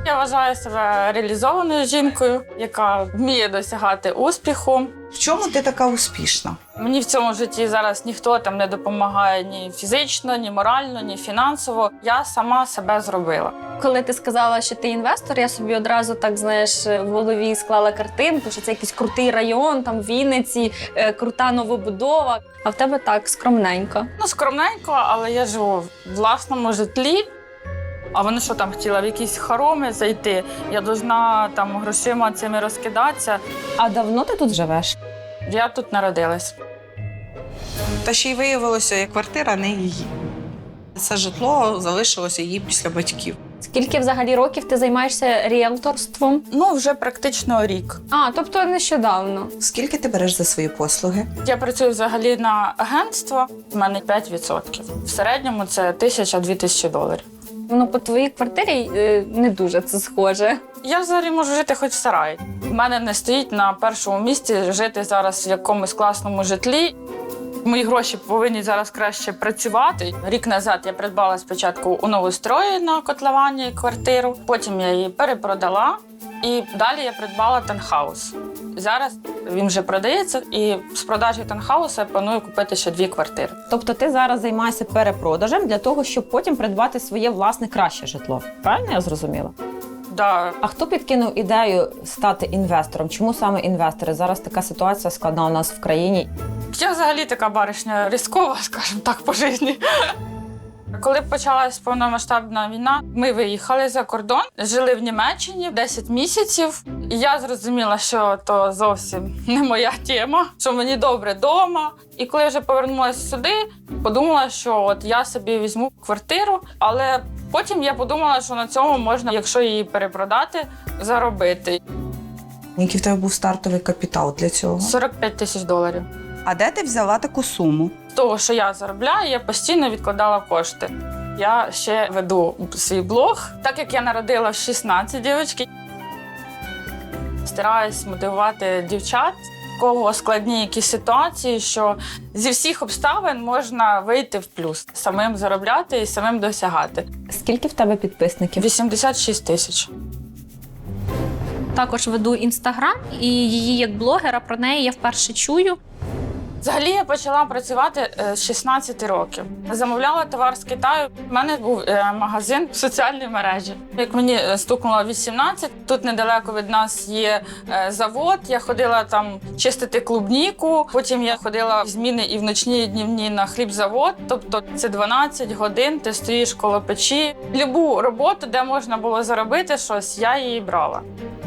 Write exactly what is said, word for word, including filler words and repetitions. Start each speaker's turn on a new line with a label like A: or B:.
A: Я вважаю себе реалізованою жінкою, яка вміє досягати успіху.
B: В чому ти така успішна?
A: Мені в цьому житті зараз ніхто там не допомагає ні фізично, ні морально, ні фінансово. Я сама себе зробила.
C: Коли ти сказала, що ти інвестор, я собі одразу так, знаєш, в голові склала картинку, що це якийсь крутий район, там в Вінниці, е, крута новобудова. А в тебе так, скромненько.
A: Ну, скромненько, але я живу в власному житлі. А вони що там хотіли в якісь хороми зайти? Я должна там грошима цими розкидатися.
D: А давно ти тут живеш?
A: Я тут народилась.
B: Та ще й виявилося, як квартира не її. Це житло залишилося їй після батьків.
C: Скільки взагалі років ти займаєшся ріелторством?
A: Ну, вже практично рік.
C: А, тобто нещодавно.
B: Скільки ти береш за свої послуги?
A: Я працюю взагалі на агентство, в мене п'ять відсотків. В середньому це тисяча-дві тисячі доларів.
C: Ну, по твоїй квартирі е, не дуже це схоже.
A: Я взагалі можу жити хоч в сараї. В мене не стоїть на першому місці жити зараз в якомусь класному житлі. Мої гроші повинні зараз краще працювати. Рік назад я придбала спочатку у новострої на котловані квартиру, потім я її перепродала і далі я придбала танхаус. Зараз він вже продається і з продажі танхауса я планую купити ще дві квартири.
D: Тобто ти зараз займаєшся перепродажем для того, щоб потім придбати своє власне краще житло. Правильно я зрозуміла?
A: Да.
D: А хто підкинув ідею стати інвестором? Чому саме інвестори? Зараз така ситуація складна у нас в країні.
A: Я взагалі така баришня ризикова, скажімо так, по житті. Коли почалась повномасштабна війна, ми виїхали за кордон, жили в Німеччині десять місяців. І я зрозуміла, що то зовсім не моя тема, що мені добре вдома. І коли я вже повернулася сюди, подумала, що от я собі візьму квартиру, але потім я подумала, що на цьому можна, якщо її перепродати, заробити.
B: Який в тебе був стартовий капітал для цього?
A: сорок п'ять тисяч доларів.
B: А де ти взяла таку суму?
A: З того, що я заробляю, я постійно відкладала кошти. Я ще веду свій блог. Так як я народила в шістнадцять дівчатки, стараюсь мотивувати дівчат, у кого складні якісь ситуації, що зі всіх обставин можна вийти в плюс, самим заробляти і самим досягати.
D: Скільки в тебе підписників?
A: вісімдесят шість тисяч.
C: Також веду інстаграм, і її як блогера про неї я вперше чую.
A: Взагалі я почала працювати з шістнадцяти років. Замовляла товар з Китаю. У мене був магазин в соціальній мережі. Як мені стукнуло вісімнадцять, тут недалеко від нас є завод. Я ходила там чистити клубніку. Потім я ходила в зміни і в ночні, і днівні на хлібзавод. Тобто це дванадцять годин, ти стоїш коло печі. Любу роботу, де можна було заробити щось, я її брала.